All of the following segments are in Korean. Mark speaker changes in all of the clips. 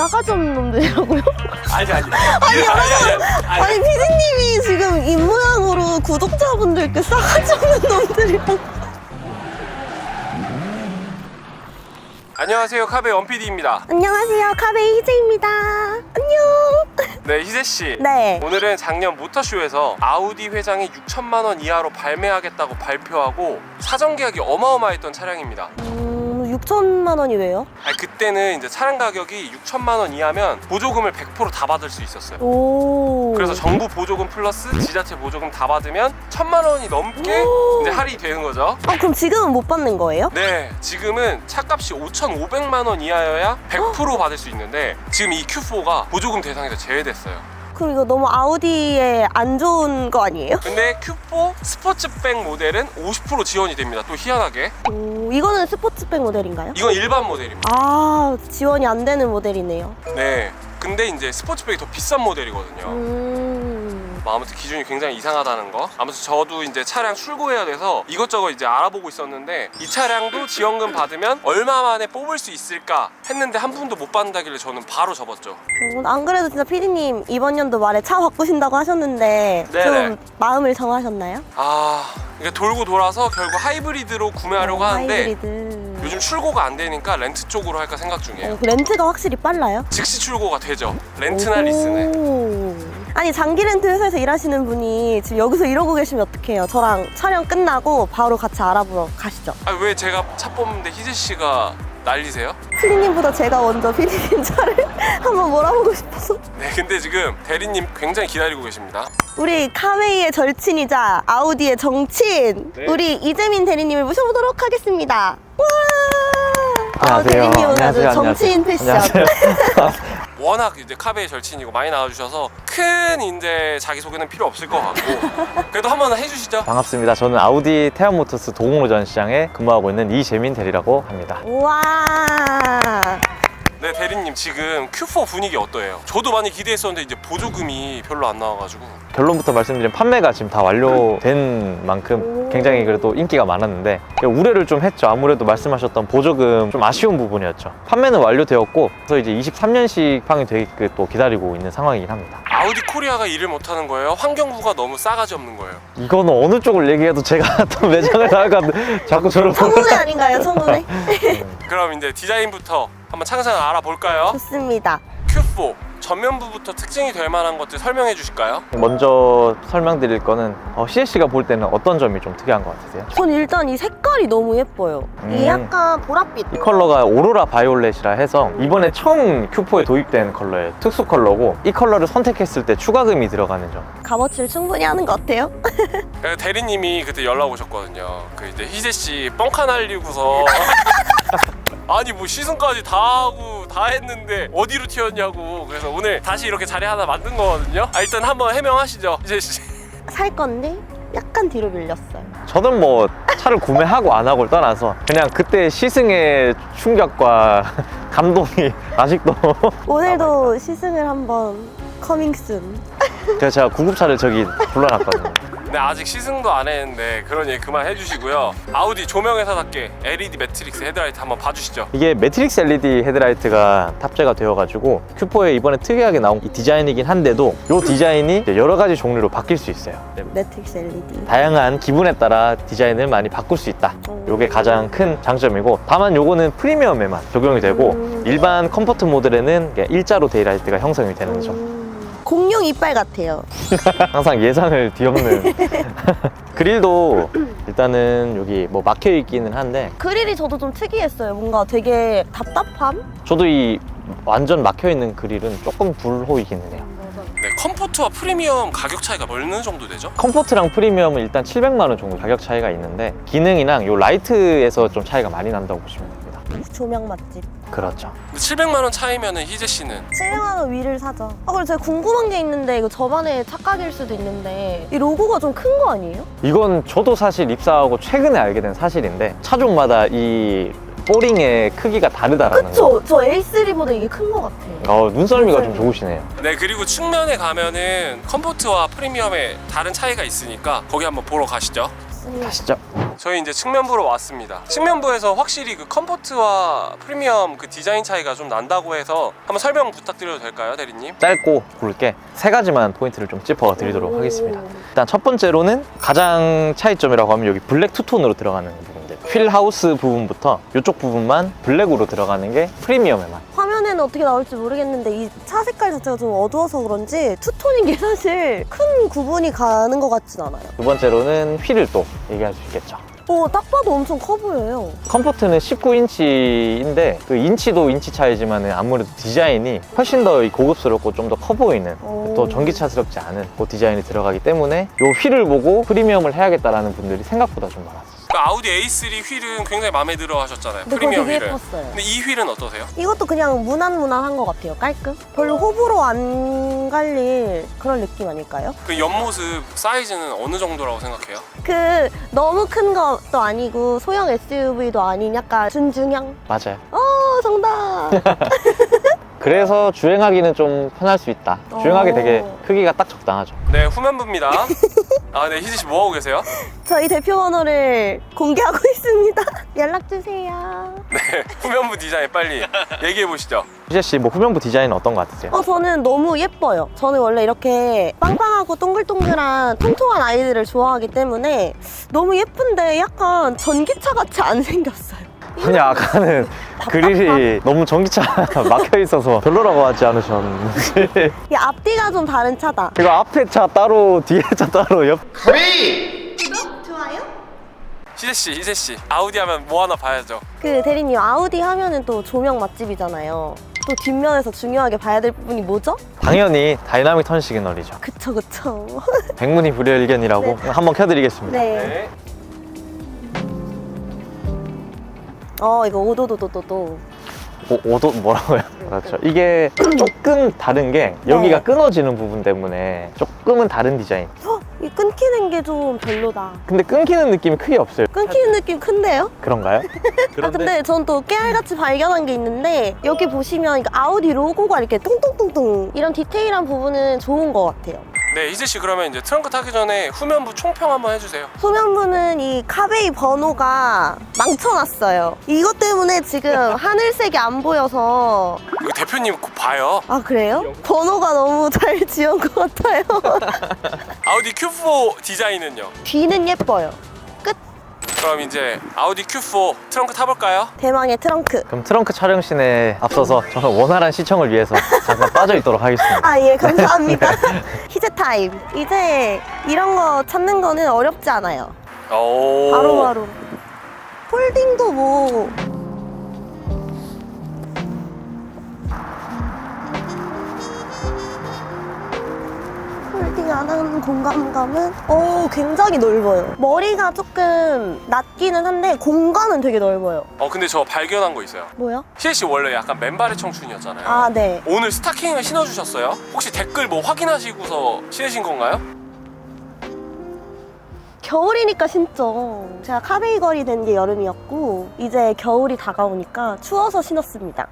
Speaker 1: 싸가지 없는 놈들이라고요?
Speaker 2: 아니
Speaker 1: 아니 피디님이 지금 입모양으로 구독자분들께 싸가지 없는 놈들이라고.
Speaker 2: 안녕하세요, 카베 원PD입니다.
Speaker 1: 안녕하세요, 카베이 희재입니다. 안녕.
Speaker 2: 네, 희재씨.
Speaker 1: 네.
Speaker 2: 오늘은 작년 모터쇼에서 아우디 회장이 6천만 원 이하로 발매하겠다고 발표하고 사전 계약이 어마어마했던 차량입니다.
Speaker 1: 6천만 원이 왜요?
Speaker 2: 아니, 그때는 이제 차량 가격이 6천만 원 이하면 보조금을 100% 다 받을 수 있었어요.
Speaker 1: 오.
Speaker 2: 그래서 정부 보조금 플러스 지자체 보조금 다 받으면 1천만 원이 넘게 이제 할인이 되는 거죠.
Speaker 1: 그럼 지금은 못 받는 거예요?
Speaker 2: 네, 지금은 차값이 5,500만 원 이하여야 100% 받을 수 있는데 지금 이 Q4가 보조금 대상에서 제외됐어요.
Speaker 1: 그럼 이거 너무 아우디에 안 좋은 거 아니에요?
Speaker 2: 근데 Q4 스포츠백 모델은 50% 지원이 됩니다. 또 희한하게.
Speaker 1: 오, 이거는 스포츠백 모델인가요?
Speaker 2: 이건 일반 모델입니다.
Speaker 1: 아, 지원이 안 되는 모델이네요.
Speaker 2: 네. 근데 이제 스포츠백이 더 비싼 모델이거든요. 아무튼 기준이 굉장히 이상하다는 거. 아무튼 저도 이제 차량 출고해야 돼서 이것저것 이제 알아보고 있었는데 이 차량도 지원금 받으면 얼마 만에 뽑을 수 있을까 했는데 한 푼도 못 받는다길래 저는 바로 접었죠.
Speaker 1: 안 그래도 진짜 피디님 이번 연도 말에 차 바꾸신다고 하셨는데
Speaker 2: 네네.
Speaker 1: 좀 마음을 정하셨나요?
Speaker 2: 이게 돌고 돌아서 결국 하이브리드로 구매하려고 하는데
Speaker 1: 하이브리드.
Speaker 2: 요즘 출고가 안 되니까 렌트 쪽으로 할까 생각 중이에요.
Speaker 1: 그 렌트가 확실히 빨라요?
Speaker 2: 즉시 출고가 되죠. 렌트나 리스는.
Speaker 1: 오. 아니 장기 렌트 회사에서 일하시는 분이 지금 여기서 이러고 계시면 어떡해요? 저랑 촬영 끝나고 바로 같이 알아보러 가시죠.
Speaker 2: 왜 제가 차 뽑는데 희재 씨가 난리세요?
Speaker 1: 피디님보다 제가 먼저 피디님 차를 한번 몰아보고 싶어서.
Speaker 2: 네, 근데 지금 대리님 굉장히 기다리고 계십니다.
Speaker 1: 우리 카웨이의 절친이자 아우디의 정치인
Speaker 2: 네.
Speaker 1: 우리 이재민 대리님을 모셔보도록 하겠습니다. 와!
Speaker 3: 안녕하세요.
Speaker 1: 대리님은 아주
Speaker 3: 안녕하세요.
Speaker 1: 정치인 패션.
Speaker 3: 안녕하세요.
Speaker 2: 워낙 이제 카베의 절친이고 많이 나와주셔서 큰 이제 자기소개는 필요 없을 것 같고 그래도 한번 해주시죠.
Speaker 3: 반갑습니다. 저는 아우디 태안모터스 도곡로전 시장에 근무하고 있는 이재민 대리라고 합니다.
Speaker 1: 우와.
Speaker 2: 네, 대리님 지금 Q4 분위기 어떠해요? 저도 많이 기대했었는데 이제 보조금이 별로 안 나와가지고.
Speaker 3: 결론부터 말씀드리면 판매가 지금 다 완료된 만큼 굉장히 그래도 인기가 많았는데 우려를 좀 했죠. 아무래도 말씀하셨던 보조금 좀 아쉬운 부분이었죠. 판매는 완료되었고 그래서 이제 23년식 판이 되게 또 기다리고 있는 상황이긴 합니다.
Speaker 2: 아우디 코리아가 일을 못하는 거예요? 환경부가 너무 싸가지 없는 거예요?
Speaker 3: 이거는 어느 쪽을 얘기해도 제가 또 매장을 나가 자꾸 저를
Speaker 1: 청문회 아닌가요? 청문회?
Speaker 2: 그럼 이제 디자인부터 한번 차근차근 알아볼까요?
Speaker 1: 좋습니다.
Speaker 2: Q4 전면부부터 특징이 될 만한 것들 설명해 주실까요?
Speaker 3: 먼저 설명드릴 거는 희재 씨가 볼 때는 어떤 점이 좀 특이한 것 같으세요?
Speaker 1: 전 일단 이 색깔이 너무 예뻐요. 이 약간 보랏빛.
Speaker 3: 이 컬러가 오로라 바이올렛이라 해서 이번에 처음 Q4에 도입된 컬러예요. 특수 컬러고 이 컬러를 선택했을 때 추가금이 들어가는 점.
Speaker 1: 값어치를 충분히 하는 것 같아요.
Speaker 2: 대리님이 그때 연락 오셨거든요. 그 이제 희재 씨 뻥카 날리고서 아니 뭐 시승까지 다 하고 다 했는데 어디로 튀었냐고. 그래서 오늘 다시 이렇게 자리 하나 만든 거거든요. 일단 한번 해명하시죠, 희재 씨.
Speaker 1: 살 건데 약간 뒤로 밀렸어요.
Speaker 3: 저는 뭐 차를 구매하고 안 하고를 떠나서 그냥 그때 시승의 충격과 감동이 아직도
Speaker 1: 오늘도 시승을 한번 커밍순.
Speaker 3: 그래서 제가 구급차를 저기 불러놨거든요.
Speaker 2: 네, 아직 시승도 안 했는데 그런 얘기 그만 해주시고요. 아우디 조명회사답게 LED 매트릭스 헤드라이트 한번 봐주시죠.
Speaker 3: 이게 매트릭스 LED 헤드라이트가 탑재가 되어가지고 Q4에 이번에 특이하게 나온 이 디자인이긴 한데도 이 디자인이 이제 여러 가지 종류로 바뀔 수 있어요.
Speaker 1: 매트릭스 LED.
Speaker 3: 다양한 기분에 따라 디자인을 많이 바꿀 수 있다. 이게 가장 큰 장점이고, 다만 요거는 프리미엄에만 적용이 되고 일반 컴포트 모델에는 일자로 데이라이트가 형성이 되는 점.
Speaker 1: 공룡 이빨 같아요.
Speaker 3: 항상 예상을 뒤엎는 그릴도 일단은 여기 뭐 막혀 있기는 한데
Speaker 1: 그릴이 저도 좀 특이했어요. 뭔가 되게 답답함?
Speaker 3: 저도 이 완전 막혀 있는 그릴은 조금 불호이기는 해요.
Speaker 2: 네, 컴포트와 프리미엄 가격 차이가 어느 정도 되죠?
Speaker 3: 컴포트랑 프리미엄은 일단 700만 원 정도 가격 차이가 있는데 기능이랑 요 라이트에서 좀 차이가 많이 난다고 보시면 됩니다.
Speaker 1: 조명 맛집.
Speaker 3: 그렇죠.
Speaker 2: 근데 700만 원 차이면은 희재 씨는
Speaker 1: 700만 원 위를 사죠. 그리고 제가 궁금한 게 있는데 이거 저만의 착각일 수도 있는데 이 로고가 좀 큰 거 아니에요?
Speaker 3: 이건 저도 사실 입사하고 최근에 알게 된 사실인데 차종마다 이 포링의 크기가 다르다라는 거.
Speaker 1: 그쵸? 저 A3보다 이게 큰 거 같아요.
Speaker 3: 눈썰미가 좀 좋으시네요.
Speaker 2: 네, 그리고 측면에 가면은 컴포트와 프리미엄에 다른 차이가 있으니까 거기 한번 보러 가시죠.
Speaker 3: 가시죠.
Speaker 2: 저희 이제 측면부로 왔습니다. 측면부에서 확실히 그 컴포트와 프리미엄 그 디자인 차이가 좀 난다고 해서 한번 설명 부탁드려도 될까요, 대리님?
Speaker 3: 짧고 굵게 세 가지만 포인트를 좀 짚어 드리도록 하겠습니다. 일단 첫 번째로는 가장 차이점이라고 하면 여기 블랙 투톤으로 들어가는 부분들, 휠 하우스 부분부터 이쪽 부분만 블랙으로 들어가는 게 프리미엄의 맛.
Speaker 1: 화면에는 어떻게 나올지 모르겠는데 이 차 색깔 자체가 좀 어두워서 그런지 투톤인 게 사실 큰 구분이 가는 것 같진 않아요.
Speaker 3: 두 번째로는 휠을 또 얘기할 수 있겠죠.
Speaker 1: 딱 봐도 엄청 커 보여요.
Speaker 3: 컴포트는 19인치인데 그 인치도 인치 차이지만 아무래도 디자인이 훨씬 더 고급스럽고 좀 더 커 보이는 또 전기차스럽지 않은 그 디자인이 들어가기 때문에 이 휠을 보고 프리미엄을 해야겠다라는 분들이 생각보다 좀 많았어요.
Speaker 2: 그 아우디 A3 휠은 굉장히 마음에 들어 하셨잖아요.
Speaker 1: 근데 그거
Speaker 2: 프리미엄
Speaker 1: 되게
Speaker 2: 휠은.
Speaker 1: 예뻤어요.
Speaker 2: 근데 이 휠은 어떠세요?
Speaker 1: 이것도 그냥 무난무난한 것 같아요. 깔끔? 별로 호불호 안 갈릴 그런 느낌 아닐까요?
Speaker 2: 그 옆모습 사이즈는 어느 정도라고 생각해요?
Speaker 1: 그 너무 큰 것도 아니고 소형 SUV도 아닌 약간 준중형?
Speaker 3: 맞아요.
Speaker 1: 정답!
Speaker 3: 그래서 주행하기는 좀 편할 수 있다. 주행하기 되게 크기가 딱 적당하죠.
Speaker 2: 네, 후면부입니다. 아, 네, 희지 씨 뭐 하고 계세요?
Speaker 1: 저희 대표 번호를 공개하고 있습니다. 연락주세요.
Speaker 2: 네, 후면부 디자인 빨리 얘기해 보시죠.
Speaker 3: 희재 씨, 뭐 후면부 디자인은 어떤 것 같으세요?
Speaker 1: 저는 너무 예뻐요. 저는 원래 이렇게 빵빵하고 동글동글한 통통한 아이들을 좋아하기 때문에 너무 예쁜데 약간 전기차 같이 안 생겼어요.
Speaker 3: 아니, 아까는 그릴이 너무 전기차 막혀 있어서 별로라고 하지 않으셨는지.
Speaker 1: 이 앞뒤가 좀 다른 차다.
Speaker 3: 그리고 앞에 차 따로, 뒤에 차 따로,
Speaker 1: 구독, 좋아요?
Speaker 2: 희재 씨, 아우디 하면 뭐 하나 봐야죠.
Speaker 1: 그 대리님 아우디 하면은 또 조명 맛집이잖아요. 또 뒷면에서 중요하게 봐야 될 부분이 뭐죠?
Speaker 3: 당연히 다이나믹 턴 시그널이죠.
Speaker 1: 그쵸.
Speaker 3: 백문이 불여일견이라고 한번 켜드리겠습니다.
Speaker 1: 네. 이거 오도도도도도.
Speaker 3: 오도 뭐라고요? 그렇죠. 이게 조금 다른 게 여기가
Speaker 1: 네.
Speaker 3: 끊어지는 부분 때문에 조금은 다른 디자인.
Speaker 1: 이 끊기는 게 좀 별로다.
Speaker 3: 근데 끊기는 느낌이 크게 없어요.
Speaker 1: 끊기는 느낌 큰데요?
Speaker 3: 그런가요?
Speaker 1: 근데 전 또 깨알같이 발견한 게 있는데 여기 보시면 이거 아우디 로고가 이렇게 뚱뚱뚱뚱 이런 디테일한 부분은 좋은 것 같아요.
Speaker 2: 네, 희재 씨 그러면 이제 트렁크 타기 전에 후면부 총평 한번 해주세요.
Speaker 1: 후면부는 이 카베이 번호가 망쳐놨어요. 이것 때문에 지금 하늘색이 안 보여서.
Speaker 2: 이거 대표님 곧 봐요.
Speaker 1: 아, 그래요? 번호가 너무 잘 지은 것 같아요.
Speaker 2: 아우디 Q4 디자인은요?
Speaker 1: 뒤는 예뻐요. 끝.
Speaker 2: 그럼 이제 아우디 Q4 트렁크 타볼까요?
Speaker 1: 대망의 트렁크.
Speaker 3: 그럼 트렁크 촬영씬에 앞서서 저는 원활한 시청을 위해서 잠깐 빠져 있도록 하겠습니다.
Speaker 1: 아, 예, 감사합니다. 희재 타임. 이제 이런 거 찾는 거는 어렵지 않아요.
Speaker 2: 오.
Speaker 1: 바로바로. 폴딩도 뭐. 폴딩 안 하는 공간감은 굉장히 넓어요. 머리가 조금 낮기는 한데 공간은 되게 넓어요.
Speaker 2: 근데 저 발견한 거 있어요.
Speaker 1: 뭐야?
Speaker 2: 희재 씨 원래 약간 맨발의 청춘이었잖아요.
Speaker 1: 아, 네.
Speaker 2: 오늘 스타킹을 신어주셨어요? 혹시 댓글 뭐 확인하시고서 신으신 건가요?
Speaker 1: 겨울이니까 신죠. 제가 카베이 걸이 된 게 여름이었고 이제 겨울이 다가오니까 추워서 신었습니다.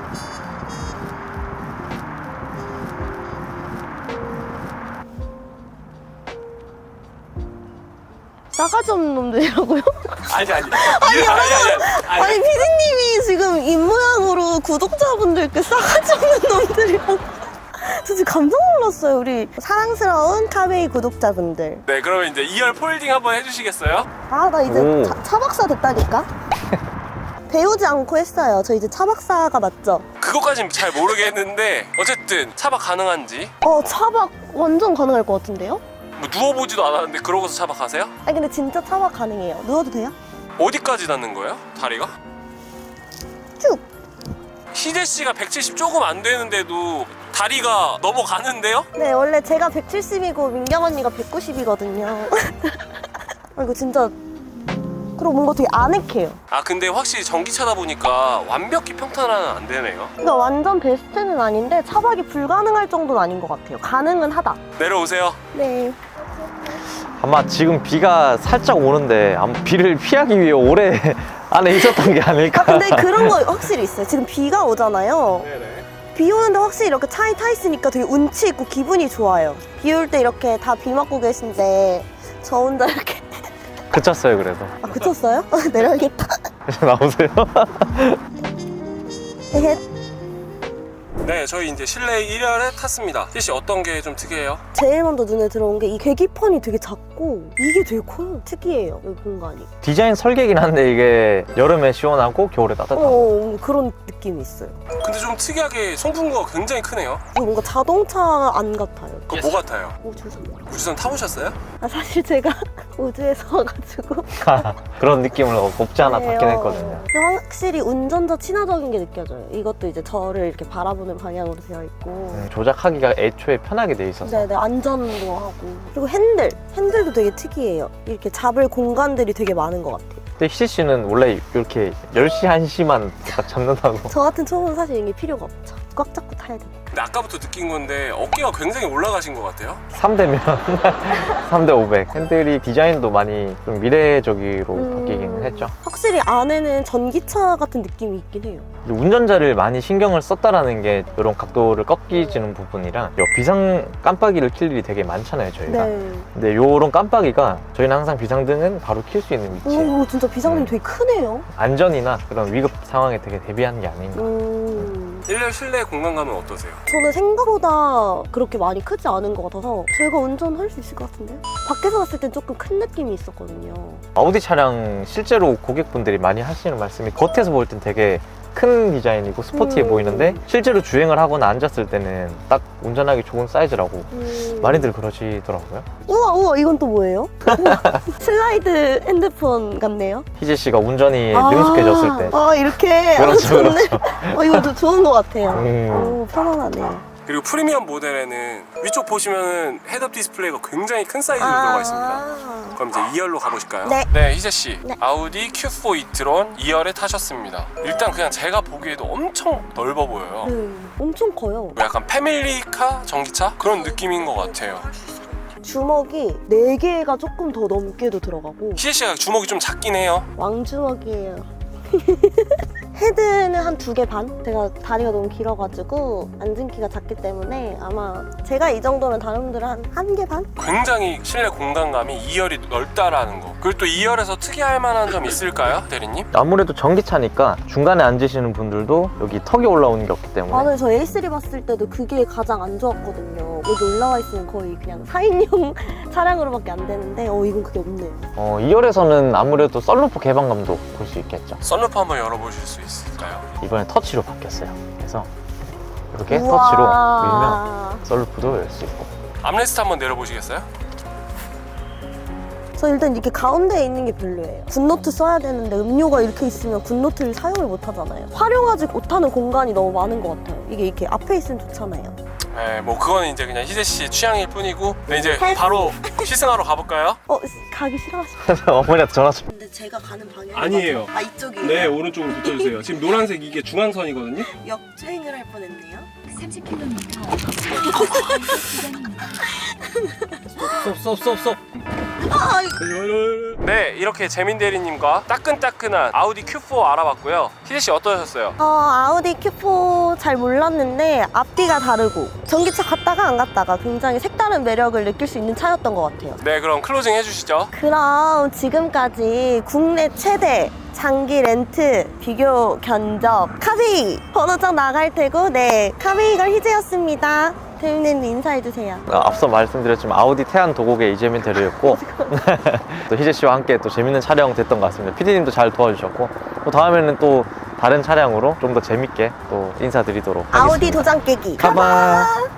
Speaker 1: 싸가지 없는 놈들이라고요?
Speaker 2: 아니.
Speaker 1: 아니 피디님이 지금 입모양으로 구독자분들께 싸가지 없는 놈들이라고. 저 지금 깜짝 놀랐어요. 우리 사랑스러운 카베이 구독자분들.
Speaker 2: 네, 그러면 이제 2열 폴딩 한번 해주시겠어요?
Speaker 1: 아, 나 이제
Speaker 3: 오.
Speaker 1: 차 박사 됐다니까? 배우지 않고 했어요. 저 이제 차 박사가 맞죠?
Speaker 2: 그것까진 잘 모르겠는데 어쨌든 차박 가능한지
Speaker 1: 차박 완전 가능할 것 같은데요?
Speaker 2: 뭐 누워보지도 않았는데 그러고서 차박하세요?
Speaker 1: 아니 근데 진짜 차박 가능해요. 누워도 돼요?
Speaker 2: 어디까지 닿는 거예요? 다리가?
Speaker 1: 쭉!
Speaker 2: 희재 씨가 170 조금 안 되는데도 다리가 넘어가는데요?
Speaker 1: 네, 원래 제가 170이고 민경 언니가 190이거든요. 이거 진짜 그리고 뭔가 되게 아늑해요.
Speaker 2: 아 근데 확실히 전기차다 보니까 완벽히 평탄화는 안 되네요.
Speaker 1: 그러니까 완전 베스트는 아닌데 차박이 불가능할 정도는 아닌 것 같아요. 가능은 하다.
Speaker 2: 내려오세요.
Speaker 1: 네.
Speaker 3: 아마 지금 비가 살짝 오는데 아마 비를 피하기 위해 오래 안에 있었던 게 아닐까.
Speaker 1: 근데 그런 거 확실히 있어요. 지금 비가 오잖아요.
Speaker 2: 네네.
Speaker 1: 비 오는데 확실히 이렇게 차에 타 있으니까 되게 운치 있고 기분이 좋아요. 비 올 때 이렇게 다 비 맞고 계신데 저 혼자 이렇게
Speaker 3: 그쳤어요 그래도.
Speaker 1: 아, 그쳤어요? 내려야겠다.
Speaker 3: 나오세요.
Speaker 1: 헤헷.
Speaker 2: 네, 저희 이제 실내 1열에 탔습니다. 희씨 어떤 게 좀 특이해요?
Speaker 1: 제일 먼저 눈에 들어온 게 이 계기판이 되게 작고 이게 되게 커요. 특이해요, 이 공간이.
Speaker 3: 디자인 설계긴 한데 이게 여름에 시원하고 겨울에 따뜻하고.
Speaker 1: 그런 느낌이 있어요.
Speaker 2: 근데 좀 특이하게 송풍구가 굉장히 크네요.
Speaker 1: 이거 뭔가 자동차 안 같아요.
Speaker 2: 그거 뭐 같아요?
Speaker 1: 우주선.
Speaker 2: 우주선 타보셨어요?
Speaker 1: 아, 사실 제가 우주에서 와가지고
Speaker 3: 그런 느낌을 없지 않아 받긴
Speaker 1: 그래요.
Speaker 3: 했거든요.
Speaker 1: 근데 확실히 운전자 친화적인 게 느껴져요. 이것도 이제 저를 이렇게 바라보는 방향으로 되어 있고
Speaker 3: 조작하기가 애초에 편하게 돼 있어서.
Speaker 1: 네네, 안전도 하고. 그리고 핸들도 되게 특이해요. 이렇게 잡을 공간들이 되게 많은 것 같아요.
Speaker 3: 근데 희지 씨는 원래 이렇게 10시, 1시만 딱 잡는다고.
Speaker 1: 저 같은 초보는 사실 이게 필요가 없죠. 꽉 잡고 타야 되니까.
Speaker 2: 근데 아까부터 느낀 건데 어깨가 굉장히 올라가신 것 같아요.
Speaker 3: 3대면 3대 500. 핸들이 디자인도 많이 좀 미래적으로 바뀌긴 했죠.
Speaker 1: 확실히 안에는 전기차 같은 느낌이 있긴 해요.
Speaker 3: 근데 운전자를 많이 신경을 썼다라는 게 이런 각도를 꺾이지는 부분이랑 요 비상 깜빡이를 킬 일이 되게 많잖아요 저희가.
Speaker 1: 네.
Speaker 3: 근데 요런 깜빡이가 저희는 항상 비상등은 바로 킬 수 있는 위치에
Speaker 1: 오, 진짜 비상등이 되게 크네요.
Speaker 3: 안전이나 그런 위급 상황에 되게 대비하는 게 아닌가.
Speaker 2: 1열 실내 공간감은 어떠세요?
Speaker 1: 저는 생각보다 그렇게 많이 크지 않은 것 같아서 제가 운전할 수 있을 것 같은데요? 밖에서 봤을 땐 조금 큰 느낌이 있었거든요.
Speaker 3: 아우디 차량 실제로 고객분들이 많이 하시는 말씀이 겉에서 볼 땐 되게 큰 디자인이고 스포티해 보이는데 실제로 주행을 하거나 앉았을 때는 딱 운전하기 좋은 사이즈라고 많이들 그러시더라고요.
Speaker 1: 우와, 이건 또 뭐예요? 우와, 슬라이드 핸드폰 같네요.
Speaker 3: 희재 씨가 운전이 능숙해졌을 때.
Speaker 1: 이렇게.
Speaker 3: 그렇죠,
Speaker 1: 좋네.
Speaker 3: 그렇죠.
Speaker 1: 이거 좋은 것 같아요.
Speaker 3: 음.
Speaker 1: 오, 편안하네요.
Speaker 2: 그리고 프리미엄 모델에는 위쪽 보시면은 헤드업 디스플레이가 굉장히 큰 사이즈로 들어가 있습니다. 그럼 이제 2열로 가보실까요?
Speaker 1: 네.
Speaker 2: 희재씨.
Speaker 1: 네.
Speaker 2: 아우디 Q4 e-tron 2열에 타셨습니다. 일단 그냥 제가 보기에도 엄청 넓어 보여요.
Speaker 1: 엄청 커요.
Speaker 2: 약간 패밀리카 전기차? 그런 느낌인 것 같아요.
Speaker 1: 주먹이 4개가 조금 더 넘게도 들어가고
Speaker 2: 희재씨가 주먹이 좀 작긴 해요.
Speaker 1: 왕주먹이에요. 헤드는 한 2개 반? 제가 다리가 너무 길어가지고 앉은 키가 작기 때문에 아마 제가 이 정도면 다른 분들은 한 1개 반?
Speaker 2: 굉장히 실내 공간감이 2열이 넓다라는 거. 그리고 또 2열에서 특이할 만한 점 있을까요, 대리님?
Speaker 3: 아무래도 전기차니까 중간에 앉으시는 분들도 여기 턱이 올라오는 게 없기 때문에
Speaker 1: 맞아요. 저 A3 봤을 때도 그게 가장 안 좋았거든요. 여기 올라와 있으면 거의 그냥 4인용 차량으로밖에 안 되는데 이건 그게 없네요.
Speaker 3: 2열에서는 아무래도 썬루프 개방감도 볼 수 있겠죠.
Speaker 2: 썬루프 한번 열어보실 수 있을까요?
Speaker 3: 이번에 터치로 바뀌었어요. 그래서 이렇게
Speaker 1: 우와.
Speaker 3: 터치로 밀면 썬루프도 열 수 있고.
Speaker 2: 암레스트 한번 내려보시겠어요?
Speaker 1: 저 일단 이렇게 가운데에 있는 게 별로예요. 굿노트 써야 되는데 음료가 이렇게 있으면 굿노트를 사용을 못 하잖아요. 활용하지 못하는 공간이 너무 많은 것 같아요. 이게 이렇게 앞에 있으면 좋잖아요.
Speaker 2: 네, 뭐 그거는 이제 그냥 희재씨 취향일 뿐이고. 네, 이제 바로 시승하러 가볼까요?
Speaker 1: 가기 싫어하시죠?
Speaker 3: 어머니한테 전화 좀.
Speaker 1: 근데 제가 가는 방향이
Speaker 2: 아니에요.
Speaker 1: 이쪽이에요?
Speaker 2: 네, 오른쪽으로 붙여주세요. 지금 노란색 이게 중앙선이거든요.
Speaker 1: 역주행을 할 뻔했네요.
Speaker 4: 30km
Speaker 2: 쏙. 네, 이렇게 재민 대리님과 따끈따끈한 아우디 Q4 알아봤고요. 희재씨 어떠셨어요?
Speaker 1: 아우디 Q4 잘 몰랐는데 앞뒤가 다르고 전기차 갔다가 안 갔다가 굉장히 색다른 매력을 느낄 수 있는 차였던 것 같아요.
Speaker 2: 네, 그럼 클로징 해주시죠.
Speaker 1: 그럼 지금까지 국내 최대 장기 렌트 비교 견적 카베이 번호장 나갈 테고 카베이걸 희재였습니다. 대리님 인사해주세요.
Speaker 3: 앞서 말씀드렸지만 아우디 태안 도곡의 이재민 대리였고 또 희재 씨와 함께 또 재밌는 촬영 됐던 것 같습니다. PD님도 잘 도와주셨고 또 다음에는 또 다른 차량으로 좀 더 재밌게 또 인사드리도록 하겠습니다.
Speaker 1: 아우디 도장 깨기
Speaker 3: 가봐.